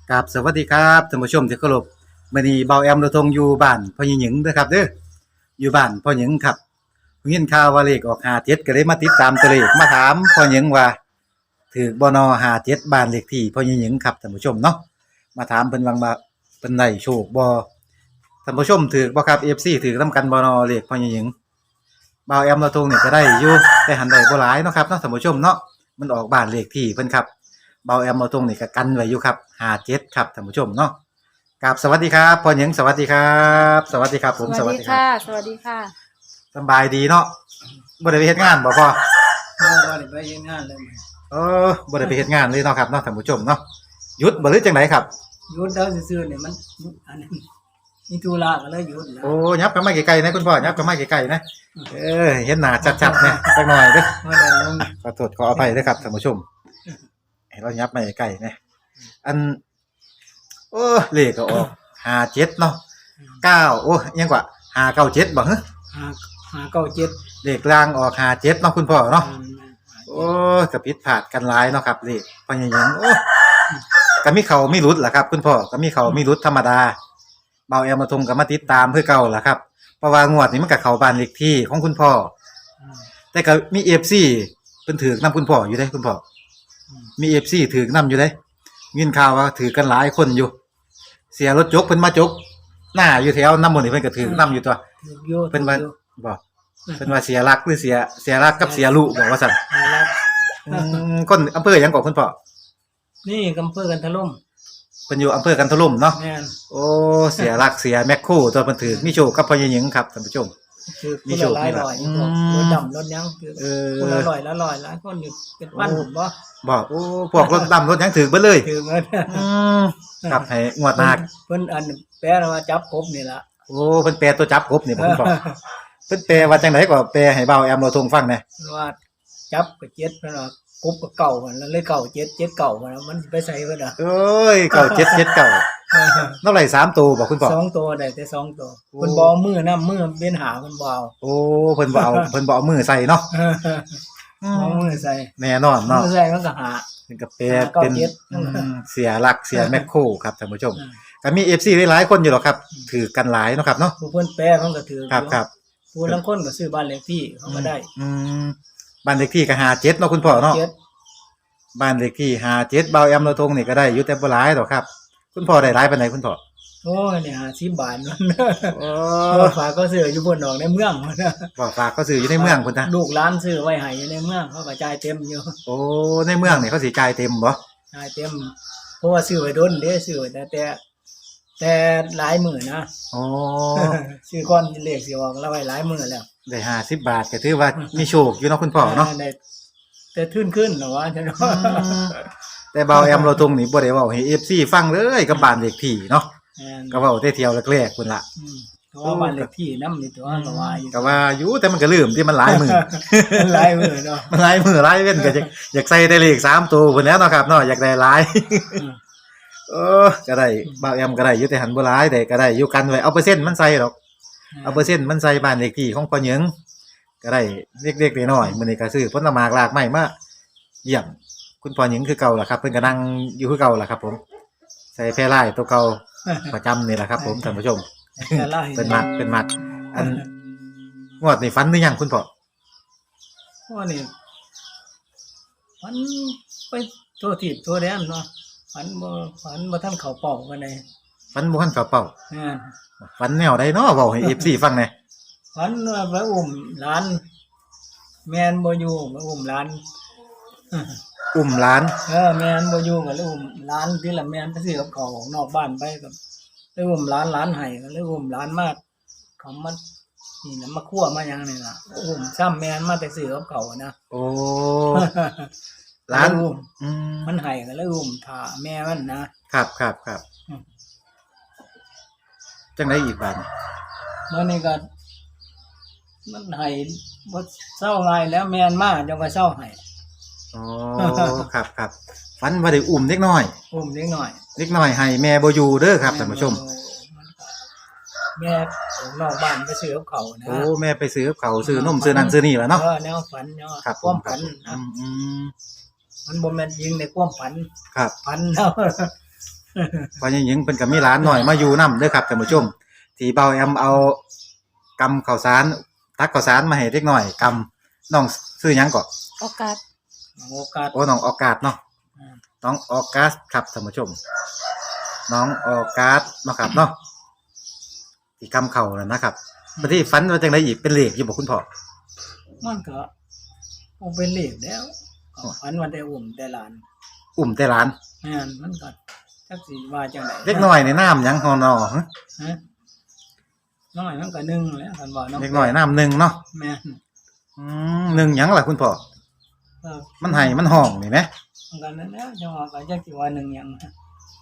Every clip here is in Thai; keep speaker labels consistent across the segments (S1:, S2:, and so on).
S1: กับสวัสดีครับท่านผู้ชมที่เคารพมื้อนี้เบาแอมเราทงอยู่บ้านพ่อหญิงเด้อครับเด้ออยู่บ้านพ่อหญิงครับเห็นข่าวว่าเลขออก57ก็เลยมาติดตามตัวเลขมาถามพ่อหญิงว่าถูกบ่นอ57บ้านเลขที่พ่อหญิงครับท่านผู้ชมเนาะมาถามเพิ่นว่าเพิ่นได้โชคบ่ท่านผู้ชมถูกบ่ครับ FC ถูกนำกันบ่นอเลขพ่อหญิงเบาแอมเราทงนี่ก็ได้อยู่แต่หันได้บ่หลายเนาะครับเนาะท่านผู้ชมเนาะมันออกบ้านเลขที่เพิ่นครับเบาแอมเราทงนี่ก็กันไว้อยู่ครับ57ครับท่านผู้ชมเนาะกับสวัสดีครับพ่อหญิงสวัสดีครับสวัสดีครับผมสวัสดีครับ
S2: สวัสดีค่ะ
S1: สำบายดีเนาะบ่ได้ไปเฮ็ดงานบ่พ่อ
S3: บ่ได้ไปเฮ็ดงานเลย
S1: บ่ได้ไปเฮ็ดงานเลยเนาะครับเนาะท่านผู้ชมเนาะหยุดบ่หรือจังไดครับ
S3: หยุดแล้วซื่อๆเนี่ยมันอันนั้นมีธุระก็เลยหยุดแล้ว
S1: โอ้ยับกันมาไกลๆนะคุณพ่อยับกันมาไกลๆนะเห็นหน้าชัดๆนะจักหน่อยเด้อ
S3: บ่ได้ลง
S1: ขอโทษขออภัยด้วยครับท่านผู้ชมให้เรายับมาไกลๆนะอันโอ้เลขก็ออก57เนาะ9โอ้ยังกว่า597บ่ฮะ
S3: 597
S1: เลขล่างออก57เนาะคุณพ่อเนาะโอ้ก็ผิดพลาดกันหลายเนาะครับเลขพ่อใหญ่หยังโอ้ก็มีเขามีหลุดล่ะครับคุณพ่อก็มีเขามีหลุดธรรมดาเบาแอมมาทงก็มาติดตามคือเก่าล่ะครับเพราะว่างวดนี้มันก็เข้าบ้านเลขที่ของคุณพ่อแต่ก็มี FC เพิ่นถือนำคุณพ่ออยู่เด้คุณพ่อมี FC ถือนำอยู่เด้ยินข่าวว่าถือกันหลายคนอยู่ เสียรถจกเพิ่นมาจกหน้าอยู่แถวนำหมดนี่เพิ่นก็ถือนำอยู่ตัว
S3: ถูกอยู่
S1: เพิ่นว่าบ่เพิ่นว่าเสียรักหรือเสียรักกับเสียลูกบอกว่าซั่น
S3: แล้ว
S1: คนอำเภอหยังก่อคุณพ่อ
S3: นี่กำเภอกันทะล่ม
S1: เพิ่นอยู่อำเภอกันทะลุ่มเนาะ
S3: แม่น
S1: โอ้เสียรักเสียแมคโครตัวเพิ่นถือมีโชคกับพ่อใหญ่หญิงครับท่านผู้ชม
S3: คือ
S1: มี
S3: คน
S1: โช
S3: ละ
S1: ค
S3: หลาย
S1: มีลาภ
S3: ร้อย
S1: อืม
S3: รถดำรถหยังคือ คนละร้อยละร้อยหลายคนอยู่เป็นพันบ่
S1: บอกโอ้พวกรถดำรถหยังถือเบิดเลย
S3: ถือเงิน
S1: อืมครับให้งวดหน้า
S3: เพิ่นอันแปลว่าจับกบนี่ล่ะ
S1: โอ้เพิ่นแปลตัวจับกบนี่ผมบอกเพิ่นแปลว่าจังไดก็แปลให้เบาแอมเราทงฟังแหน่
S3: ว่าจับก็เจ็ดเพิ่นว่ากบก็เก่ามันแล้วเลยเก่าเจ็ดเจ็ดเก่ามันมันสิไปใส่เพิ่นอ่ะ
S1: เอ้ยเก่า7 7เก่าเท่าไหร่3ตัวบอกคุณพ่อ
S3: สองตัวได้แต่สองตัว
S1: โอ้
S3: เพิ่นบ่เอามือนำมือเป็นหาเพิ่นบ่เอา
S1: โอ้เพิ่นบ่เอาเพิ่นบ่เอามือใส่เนาะอื
S3: เอา
S1: ม
S3: มือใส่
S1: แน่นอนเนาะ
S3: มือใส่มันก็หา
S1: เป็นกาแฟเป็น
S3: เก้าเจ็ด
S1: เสียหลักเสียแมคโครครับท่านผู้ชมก็มี FC หลายๆคนอยู่หรอกครับถือกันหลายเนาะครับเนาะ
S3: ผู้เพิ่นแปลมันก็ถือ
S1: ครับครับ
S3: ผู้ลางคนก็ซื้อบ้านเลขที่เขาก็ได้
S1: อืมบ้านเลขที่ก็57เนาะคุณพ่อเนาะ
S3: เจ็ด
S1: บ้านเลขที่57เบาแอมเราทงนี่ก็ได้อยู่แต่บ่หลายดอกครับ คุณพ่อได้หลายปานใดคุณพ่อ
S3: โอ้ยเนี่ย50 บาทมัน
S1: โอ้
S3: ฝากก็ซื้ออยู่บนดอกในเมืองมันนะ
S1: บ่ฝากเขาซื้ออยู่ในเมืองพุ่นนะ
S3: ลูกหลานซื้อไว้ให้อยู่ในเมืองเขาก็จ่ายเต็มอยู่
S1: โอ้ในเมืองนี่เขาสิจ่ายเต็มบ่
S3: จ่ายเต็มเพราะว่าซื้อไว้ดนเด้ซื้อไว้แต่หลายมื้อนะ
S1: โอ้
S3: ซื้อก่อนเลขสิออกแล้วไว้หลายมื้อแล้ว
S1: ได้50บาทก็ถือว่ามีโชคอยู่เนาะคุณพ่อเนาะ
S3: ได้แต่ทื่นขึ้นเหรอวะฉันว่า
S1: แต่เบาแอมเราทงนี่บ่ได้เว้าให้ FC ฟังเลยกับบ้านเลขที่เนาะ
S3: แม่น
S1: ก็เว้าแต่เที่ยวแรกๆพุ่นล่ะ
S3: เพราะว่าบ้านเลขที่น้ำนี่ตัวก็ว่าอยู่
S1: ก็ว่าอยู่แต่มันก็ลืมที่มันหลายมือ
S3: หลายมื้อเนาะ
S1: มันหลายมือหลายเว้นก็อยากใส่ได้เลข3ตัวพุ่นแหล้วเนาะครับเนาะอยากได้หลาย
S3: อืม
S1: ก็ได้บ่าวแอมก็ได้อยู่แต่หันบ่หลายได้ก็ได้อยู่กันไว้เอาเปอร์เซ็นต์มันใส่ดอกเอาเปอร์เซ็นต์มันใส่บ้านเลขที่ของพ่อหญิงก็ได้เล็กๆน้อยๆมื้อนี้ก็ซื้อผลไม้หลากไม้มาเยี่ยมคุณพ่อหญิงคือเก่าล่ะครับเพิ่นก็นั่งอยู่คือเก่าล่ะครับ ผมใส่แพรลายตัวเก่าประจำนี่แหละครับ ผมท่านผู้ชม
S3: แต่ละ
S1: เป็นมัดอันงวดนี่ฝันหรือยังคุณพ่อ
S3: ว่านี่มันไปตัวทิศตัวแดนเนาะฝันบ่ทันเข้าเป้ากันเลย
S1: ฝันบ่ทันเข้าเป้า
S3: แม่น
S1: ฝันแนวใดเนาะเว้าให้ FC ฟังแหน่
S3: ฝันว่าไปอุ้มหลาน แม่นบ่อยู่ไปอุ้มหลาน
S1: อุ้มหลาน
S3: แม่นบ่อยู่ก็เลยอุ้มหลานที่ละแม่นไปซื้อกับข้าวของนอกบ้านไปกับเลยอุ้มหลานให้ก็เลยอุ้มหลานมาเขามานี่นะมาคั่วมาหยังนี่ล่ะอุ้มซ้ำแม่นมาแต่ซื้อกับข้าวนะ
S1: โอ้หลาน
S3: อุ้ม
S1: อืม
S3: มันให้ก็เลยอุ้มท่าแม่มันนะครับ อืม
S1: จังไดอีกบาดนี้
S3: เมื่อนี้ก็มันให้บ่เศร้าง่ายแล้วแม่นมาจังว่าเศร้าให้
S1: อ๋อ ครับฝันว่าได้อุ้มเด็กน้อย
S3: อุ้มเล็กน้อย
S1: เด็กน้อยให้แม่บ่อยู่เด้อครับท่านผู้ชม
S3: แม่ของนอกบ้านไปซื้อกับเขานะ
S1: โอ้แม่ไปซื้อกับเขาวซื้อนมซื้อนั่นซื้อนี่ล่ะเนาะ
S3: แนวฝันเนาะ
S1: ครับ
S3: ความฝัน
S1: อื
S3: นะ
S1: ม
S3: มันบ่แม่นยิงในความฝัน
S1: ครับ
S3: ฝันแล้ว
S1: พ่อใหญ่หญิงเพิ่นก็มีหลานน้อยมาอยู่นำเด้อครับท่านผู้ชมที่เบาแอมเอากำข้าวสารตักข้าวสารมาให้เด็กน้อยกำน้องชื่อหยังก็
S2: โอกาส
S3: โอกาส
S1: โอ้น้องออกาสเนาะ
S3: อ่า
S1: น้องออกัสครับท่านผู้ชม น้องออกัสเนาะครับเนาะที่กำเข่านั่นนะครับบัดนี้ฝันว่าจังไดอีกเป็นเลขอยู่บ่คุณพ่อ
S3: มันก็คงเป็นเลขแล้วก็ฝันว่าได้อุ้มได้หลาน
S1: อุ้มแต่หลาน
S3: แม่นมันก็จักสิว่าจังได๋
S1: เล็กน้อยในน้ำหยังฮอนอฮะ
S3: ฮะน้อยมันก็หนึ่งแหล้วคันว่าน้อง
S1: เล็กน้อยน้ำหนึ่งเนาะ
S3: แม่น
S1: หนึ่งหยังล่ะคุณพ่อ
S3: ก็
S1: มันให้มันห้องนี่ไหม
S3: มันก็นั่นแหล้วจังว่าก็จักสิว่าหนึ่งหยังฮะ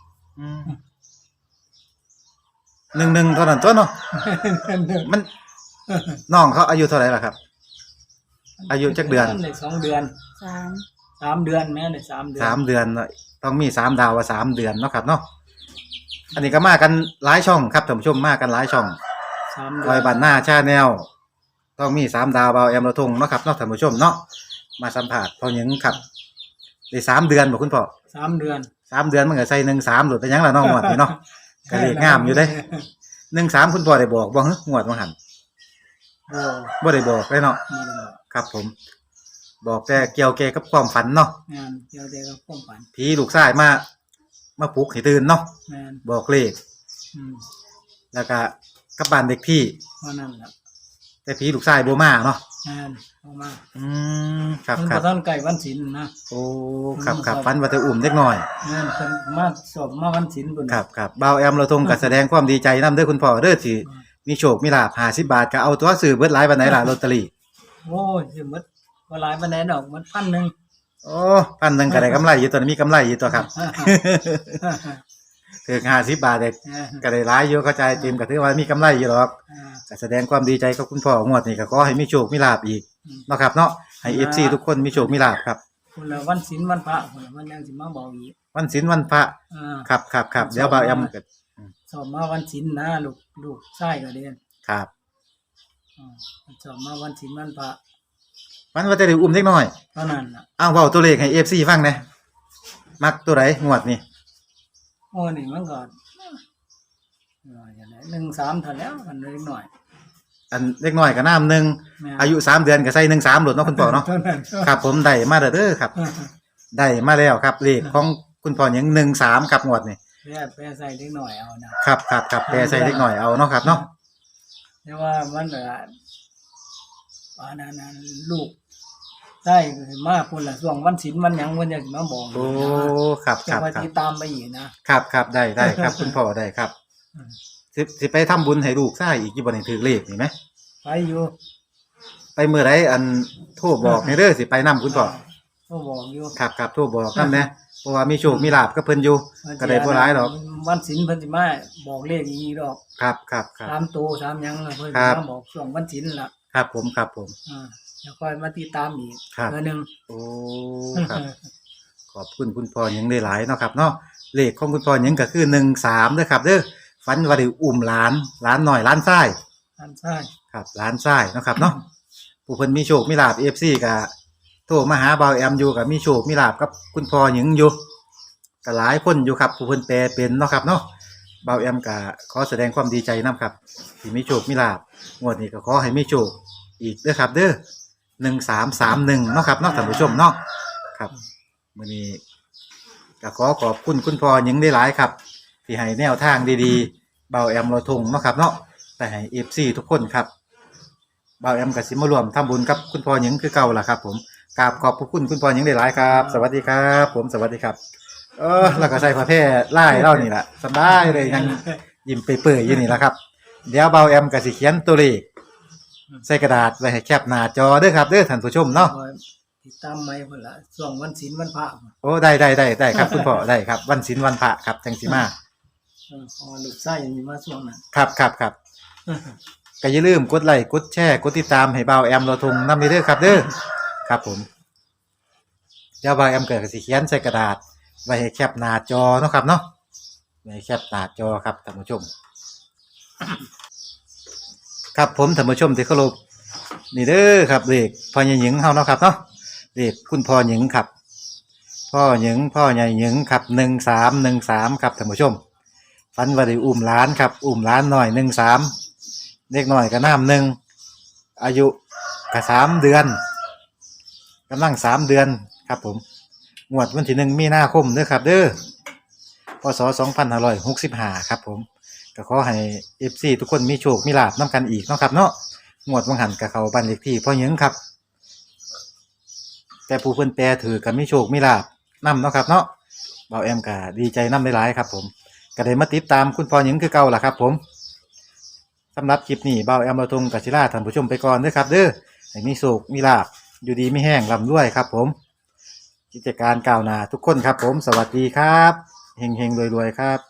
S1: หนึ่งเท่านั้นตัวเนาะมันน้องเขาอายุเท่าไหร่ล่ะครับ อายุจักเดือน
S3: ได้2 เดือน
S2: สาม
S3: 3 เดือนแม่ได้3 เดือน
S1: 3 เดือนเนาะต้องมี3 ดาวว่า3 เดือนเนาะครับเนาะอันนี้ก็มากันหลายช่องครับท่านผู้ชมมากันหลายช่อง
S3: 3 เดื
S1: ลอยบันหน้าชาแนลต้องมี3 ดาวเบาแอมระทงเนาะครับเนาะท่านผู้ชมเนาะมาสัมผัสพอหยังครับได้3 เดือนบ่คุณพ่อ
S3: 3 เดือน
S1: 3 เดือนมันก็ใส่13หลุดไปหยังล่ะเนาะงวดนี้เนาะก็เลขงามอยู่เด้13คุณพ่อได้บอกบ่ฮึงวดว่าหั่น
S3: โอ้
S1: บ่ได้บอกเลยเนาะ
S3: นี่แหละ
S1: ครับผม บอกแต่เกี่ยวกับความฝันเนาะ
S3: งานเดี๋ยวเดี๋ยวก็ความฝัน
S1: ผีลูกชายมาปลุกให้ตื่นเนาะ
S3: แม่น
S1: บอกเลข
S3: อืม
S1: แล้วก็กลับบ้านเด็กที่
S3: เพราะนั่นแหละ
S1: แต่ผีลูกชายบ่มาเนาะ
S3: งานออกมา
S1: ครับ
S3: มัน
S1: ครั
S3: ก็
S1: บ
S3: ต้นไก่วันศิลป์นะ
S1: โอ้ครับฝันว่าจะอุ้มเด็กน้อย
S3: งานเพิ่นมาสอบมาวันศิลป์บุญ
S1: ครับบ่าวแอมเราทงก็แสดงความดีใจนำเด้อคุณพ่อเด้อที่มีโชคมีลาภ50 บาทก็เอาตัวซื้อเบิดหลายปานไหนล่ะลอตเตอรี่
S3: โอ้ยสิหมดบ่หลายปานใดดอกมัน1,000
S1: โอ้พันหนึงก็ได้กำไรอยู่ตัวนี้มีกำไรอยู่ตัวครับ ถึง50 บาทเด็กก็ได้หลายอยู่เข้าใจจิมก็ถือว่ามีกำไรอยู่หรอกก็แสดงความดีใจกับคุณพ่องวดนี้ก็ขอให้มีโชคมีลาภอีกเนาะครับเนาะให้ FC ทุกคนมีโชคมีลาภครับ
S3: คนละวันศิลป์วันพระคนละวันยังสิมาบอกอีก
S1: วันศีลวันพระ
S3: อ่า
S1: ครับเดี๋ยวบ่าวแอมก็
S3: สอบมาวันศิลป์นะลูกชายก็เรียน
S1: ครับ
S3: อ่าสอบมาวันศิลป์วันพระ
S1: มันว่าจะได้อุ้มเด็กน้อย
S3: เท่านั้นน่ะ
S1: อ้าวเว้าตัวเลขให้ FC ฟังแหน่มักตัวใดงวดนี้
S3: โอ้นี่มันก็อย่างไร13เท่าแล้วกันเล็กหน่อย
S1: อันเด็กน้อยก็น้ำหนึ่ง
S3: แม่น
S1: อายุ3 เดือนก็ใส่13โหลดเนาะคุณพ่อเนาะ
S3: เท่านั้น
S1: ครับผมได้มาเด้อครับ ได้มาแล้วครับเลขของคุณพ่อหยัง13ครับงวดนี้
S3: แปรใส่เล็กหน่อยเอานะครับ
S1: แปรใส่เด็กน้อยเอาเนาะครับเนาะ
S3: แต่ว่ามันก็อันนั้นลูกได้มาพุ่นละช่วงวันศิลป์วันหยังเพิ่นอยากสิมาบอก
S1: โอ้ครับ
S3: จะมาติดตามไปอีกนะครับ
S1: ได้ครับ คุณพ่อได้ครับ
S3: อืม
S1: สิไปทำบุญให้ลูกชายอีกอยู่บ่นี่ถือเลขนี่ไหม
S3: ไปอยู่
S1: ไปมื้อใดอันโทรบอกให้เด้อสิไปนํคุณพ่อ
S3: ก็บอกอยู่
S1: ครับโทรบอกนำแหน่เพราะว่ามีโชคมีลาภกับเพิ่นอยู่ก็ได้บ่หลายดอก
S3: วันศิลป์เพิ่นสิมาบอกเลขอีกดอก
S1: ครับ
S3: 3ตัว3หยังน่ะเพิ่น
S1: ครั
S3: สิ
S1: บ
S3: มาบอกช่วงวันศิลป์ล่ะ
S1: ครับผม
S3: แล้วค่อยมาติดตามอีก
S1: ครับ
S3: เทื่อนึง
S1: โอ้ครับ ขอบคุณคุณพ่อหยังได้หลายเนาะครับเนาะเลขของคุณพ่อหยังก็คือ13เด้อครับเด้อฝันว่าได้อุ้มหลานน้อยหลานชาย
S3: ท่านใช่
S1: ครับหลานชายเนาะครับเนาะผู้เพิ่นมีโชคมีลาภ FC ก็โทรมาหาเบาแอมอยู่ก็มีโชคมีลาภกับคุณพ่อหยังอยู่ก็หลายคนอยู่ครับผู้เพิ่นแปลเป็นเนาะครับเนาะเบาแอมก็ขอแสดงความดีใจนํครับที่มีโชคมีลาภงวดนี้ก็ขอให้มีโชคอีกเด้อครับเด้อ1331เนาะครับเนาะท่านผู้ชมเนาะครับมื้อนี้ก็ขอบคุณคุณพ่อหยังได้หลายครับ ที่ให้แนวทางดีๆเบาแอมเราทงเนาะครับเนาะแต่ให้ FC ทุกคนครับเบาแอมก็สิมารวมทำบุญกับคุณพ่อหยังคือเก่าล่ะครับ ผมกราบขอบพระคุณคุณพ่อหยังได้หลายครับ สวัสดีครับ ผมสวัสดีครับ แล้วก็ใส่ผ้าแพร่ไล่เล่านี่แหละสบายเลยยังยิ้มเปื่อยๆอยู่นี่แหละครับเดี๋ยวเบาแอมก็สิเขียนตัวเลขใส่กระดาษไว้ให้แคปหน้าจอเด้อครับเด้อท่านผู้ชมเนาะ
S3: คอยติดตามไหมพุ่นละช่วงวันศิลป์วันพระพุ่น
S1: โอ้ได้ครับคุณพ่อได้ครับวันศีลวันพระครับจังสิมา
S3: พอลูกไส้ยังมีมาช่วงนั้น
S1: ครับก็อย่าลืมกดไลค์กดแชร์กดติดตามให้เบาแอมเราทงนำเด้อครับเด้อครับผมเดี๋ยวเบาแอมเกิดก็สิเขียนใส่กระดาษไว้ให้แคปหน้าจอเนาะครับเนาะไว้ให้แคปหน้าจอครับท่านผู้ชม ครับผมท่านผู้ชมที่เคารพนี่เด้อครับเลขพ่อหญิงเฮาเนาะครับเนาะเลขคุณพ่อหญิงครับพ่อหญิงพ่อใหญ่หญิงครับ1313ครับท่านผู้ชมฝันว่าได้อุ้มหลานครับอุ้มหลานน้อย13เด็กน้อยก็น้ำหนึ่งอายุก็3 เดือนกำลัง3 เดือนครับผมงวดวันที่1 มีนาคมเด้อครับเด้อพศ2565ครับผมก็ขอให้ FC ทุกคนมีโชคมีลาภนํกันอีกเนาะครับเนาะงวดวังหันกับเขาบ้านเลขที่พ่อหญิงครับแต่ผู้เพิ่นแปรถือก็มีโชคมีลาภนํเนาะครับเนาะเบาแอมก็ดีใจนำหลายๆครับผมก็ได้มาติดตามคุณพ่อหญิงคือเก่าล่ะครับผมสำหรับคลิปนี้เบาแอมเราทงกับศิลาท่านผู้ชมไปก่อนเด้อครับเด้อให้มีโชคมีลาภอยู่ดีไม่แห้งร่ำรวยครับผมกิจการก้าวหน้าทุกคนครับผมสวัสดีครับเฮงๆรวยๆครับ